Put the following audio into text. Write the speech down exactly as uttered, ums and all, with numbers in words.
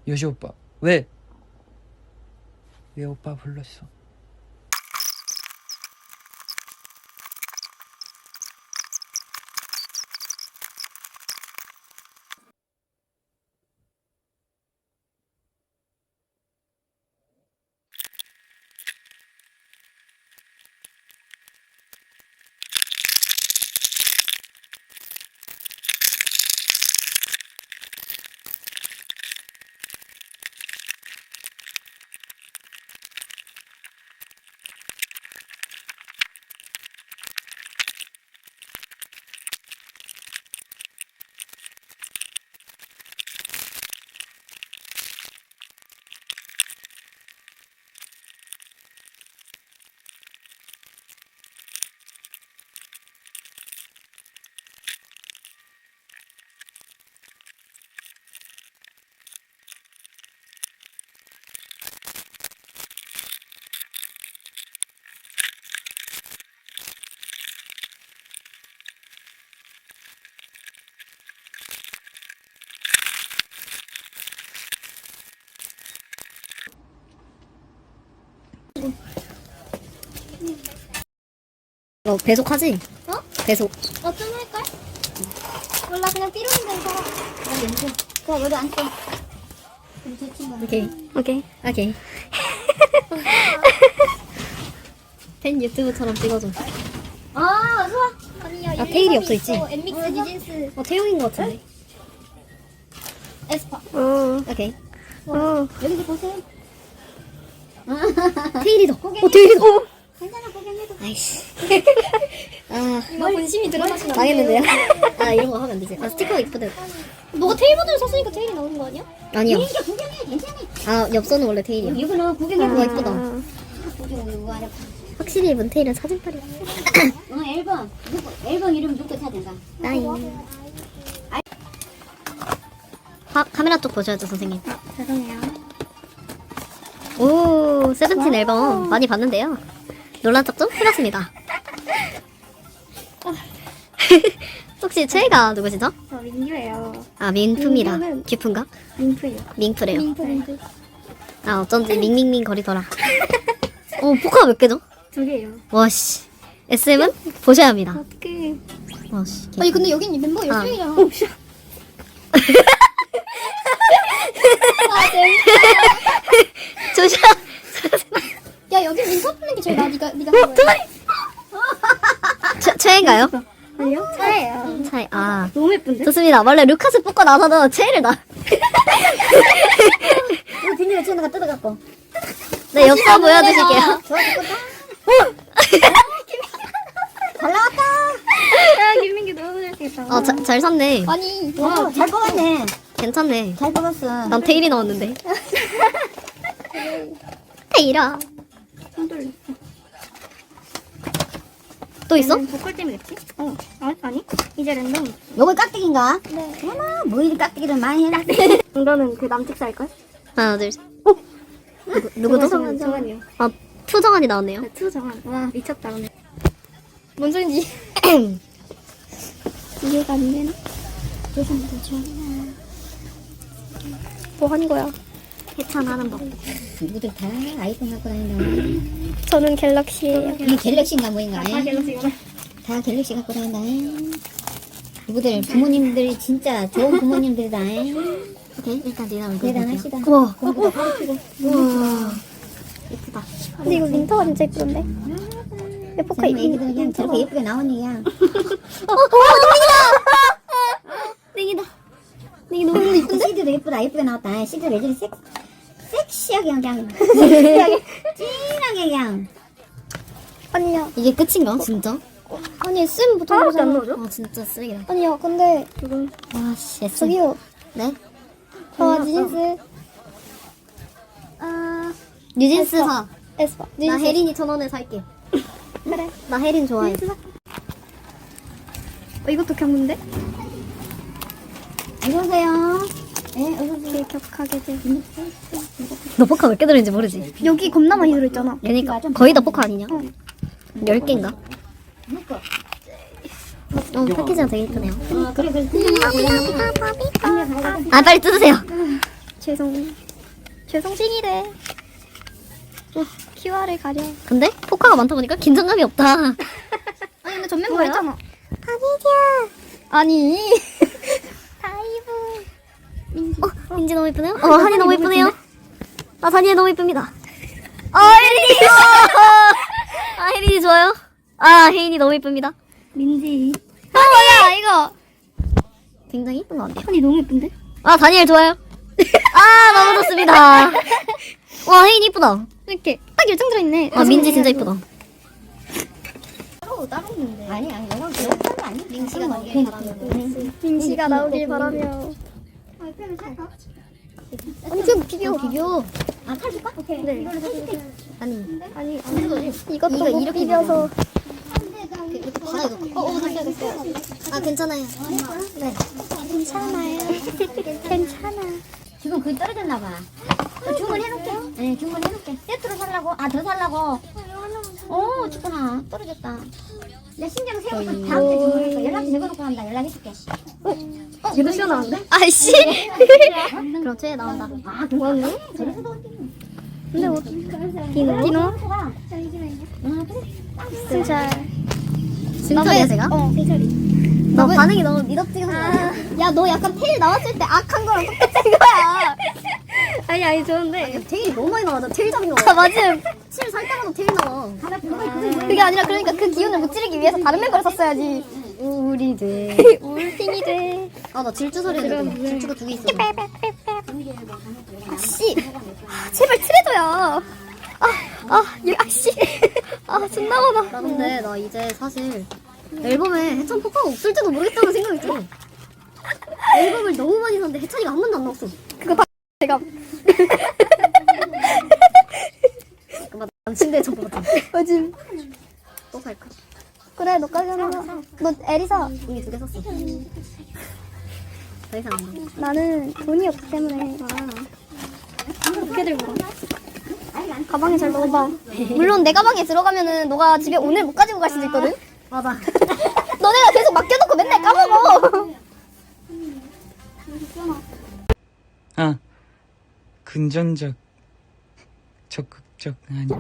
요시 오빠 왜? 왜 오빠 불렀어? 너 배속하지? 어? 배속. 어, 좀 할걸? 몰라, 그냥 삐로는 대로 살아. 나 연주. 그냥 여기 앉게. 우리 제 친구. 오케이. 오케이. 오케이. 팬 유튜브처럼 찍어줘. 아, 좋아. 아니야, 아, 테일이 없어 있지? 엠믹스, 뉴진스, 어, 태용인 것 같은데. 에스파. 어. 오케이. 어. 여기서 보세요. 테일이다. 고개 어, 테일이다. 어. 괜찮아, 구경해도. 아이씨. 아, 뭘 본심이 드러나시면 안 망했는데요? 돼요. 아, 이런 거 하면 안 되지. 아, 스티커 이쁘대. 너가 테일 모드를 샀으니까 테일이 나오는 거 아니야? 아니요. 이게 구경해, 괜찮아. 아, 엽서는 원래 테일이야. 이거는 구경해. 와, 이쁘다. 구경, 이거 알아. 확실히 이번 테일은 사진빨이야. 어, 앨범. 누구, 앨범 이름 누구 찾은가? 나이. 아, 카메라 쪽 보셔야죠, 선생님. 죄송해요. 오, 세븐틴 앨범 많이 봤는데요. 논란 척좀 해봤습니다. 혹시 최애가 누구시죠? 저 민규예요. 아, 민프입니다. 민규는- 규프인가? 민프예요. 민프래요. 민프, 민프. 아, 어쩐지 밍밍밍 거리더라. 어, 포카 몇 개죠? 두 개예요. 와씨. 에스엠은 보셔야 합니다. 어떡해. 와씨. 아니, 근데 여긴 멤버 아. 열정이잖아. 아, 재밌다. 조셔. 야, 여기 민서 풀린 게 제일 나, 니가, 니가 한 거야. 최, 최애인가요? 아니요? 차예요. 차애. 아, 너무 예쁜데? 좋습니다. 원래 루카스 뽑고 나서도 최애를 나. 이거 비닐에 채너가 뜯어갖고. 네, 엽서 보여드릴게요. 좋아 죽겠다. 잘 나왔다. 야, 김민규 너무 잘생겼다. 어, 자, 잘 샀네. 아니, 와, 잘 뽑았네. 괜찮네. 잘 뽑았어. 난 테일이 나왔는데. 테일아. 손 돌려. 또 있어? 보컬 때문이겠지? 어. 아니, 아니. 이제 랜덤. 요거 깍두기인가? 네. 어머, 뭐 이리 깍두기를 많이 해라. 이거는 그 남측 살걸? 하나, 둘, 셋. 어? 누구, 누구죠? 정한, 정한이요. 아, 푸정한이 나왔네요. 네, 투 정한. 와, 미쳤다, 오늘. 뭔 소린지. 이해가 안 되나? 뭐 하는 거야? 해찬하는 법. 누구들 다 아이폰 갖고 다닌다. 저는 갤럭시예요. 이 갤럭시인가 뭐인가? 다 갤럭시구나. 다 갤럭시 갖고 다닌다. 누구들 부모님들이 진짜 좋은 부모님들이다. 오케이, 일단 니나 얼굴 대단하시다. 볼게요. 우와, 공부도 가르치고. 우와. 예쁘다. 근데 이거 민터가 진짜 예쁜데? 예뻐카 정말 애기들 그냥 저렇게 예쁘게 나오니 그냥. 땡이다. 이게 너무 이쁜데? 씨디도 예쁘다. 예쁘게 나왔다. 씨디도 왜 저리 섹, 섹시하게 그냥. 섹시하게. 진하게 그냥. 아니야. 이게 끝인가? 진짜? 아니, 쌤 보통 하나밖에 안 나오죠? 아, 진짜 쓰레기다. 아니야, 근데 지금 와, 씨, 에스. 저기요. 네? 아, 뉴진스. 아, 뉴진스 사. 에스파. 나 뉴진스. 혜린이 천 원에 살게. 그래. 나 혜린 좋아해. 뉴진스 사. 어, 이것도 경문데? 어서오세요. 네, 어떻게 격하게 돼. 너 포카 몇 개 들어있는지 모르지? 여기 겁나 많이 들어있잖아. 그러니까 거의 다 포카 아니냐? 어. 열 개인가? 어, 패키지가 되게 이쁘네요. 어, 그래, 그래. 아, 빨리 뜯으세요. 죄송. 죄송 싱이래. 어, 큐알을 가려. 근데 포카가 많다 보니까 긴장감이 없다. 아니 근데 전면 뭐야? 했잖아. 아니야. 아니. 다이브. 민지. 어, 민지 너무 이쁘네요. 어, 한이 너무 이쁘네요. 아, 다니엘 너무 이쁩니다. 아, 혜린이! 아, 혜린이 좋아요. 아, 혜인이 너무 이쁩니다. 민지. 아 뭐야 이거. 굉장히 이쁜 것 같아요. 한이 너무 예쁜데? 아, 다니엘 좋아요. 아, 너무 좋습니다. 와, 혜인이 이쁘다. 이렇게 딱 열정 들어있네. 아, 민지 진짜 이쁘다. 따로 따로 있는데. 아니 아니 영화 영화 거 아니? 민지가 나오길 바라면. 민지가 나오길 바라며. 아 그러면 살까? 엄청 비교. 비교. 아 살까? 오케이. 네. 이걸로 살게. 아니, 아니 이거 이것도 못 이렇게 비벼서. 이렇게 바닥에 놓고. 어, 어, 됐어요, 됐어요. 아, 괜찮아요. 네. 괜찮아요. 괜찮아. 지금 그게 떨어졌나 봐. 저 주문해놓게. 네, 주문해놓게. 세트로 살라고? 아, 더 살라고? 오, 죽구나. 떨어졌다. 내 심장 세우고 다음 주 주문해서 연락처 적어놓고 한다. 연락해줄게. 어, 이거 시원한데? 아이씨. 그럼 쟤 나온다. 아, 그거네? 저래서도 어디? 근데 뭐 디노? 디노? 아, 그래? 승철. 진짜야, 제가? 어, 승철이. 너 반응이 너무 미덥지근한 거 같아. 야, 너 약간 테일 나왔을 때 악한 거랑 똑같은 거야. 아니, 아니, 좋은데. 테일이 너무 많이 나와. 나 테일 잡인 거 아, 맞음. 칠 살 때마다 테일 나와. 하나 불러. 그게 아니라 그러니까 그 기운을 무찌르기 위해서 다른 멤버를 썼어야지. 우리 돼. 울팅이 돼. 아, 나 질주 소리 했는데. 질주가 두 개 있어. 아씨. 제발 트레저야. 아, 아, 이 아씨. 아, 존나 나 많아. 근데 나 이제 사실 앨범에 해찬 포카가 없을지도 모르겠다는 생각이 들어. 앨범을 너무 많이 샀는데 해찬이가 한 번도 안 나왔어. 그거 다 제가. 잠깐만, 난 침대에 접고 갔다. 요즘. 또 살까? 그래, 너까지 하나 사. 너 에리사. 이미 두 개 샀어. 더 이상 안 나. 나는 돈이 없기 때문에. 어떻게 들고 가? 가방에 잘 넣어봐. 물론 내 가방에 들어가면은 너가 집에 오늘 못 가지고 갈 수도 있거든? 맞아. 너네가 계속 맡겨놓고 맨날 까먹어. 아, 근전적, 적극적 아니.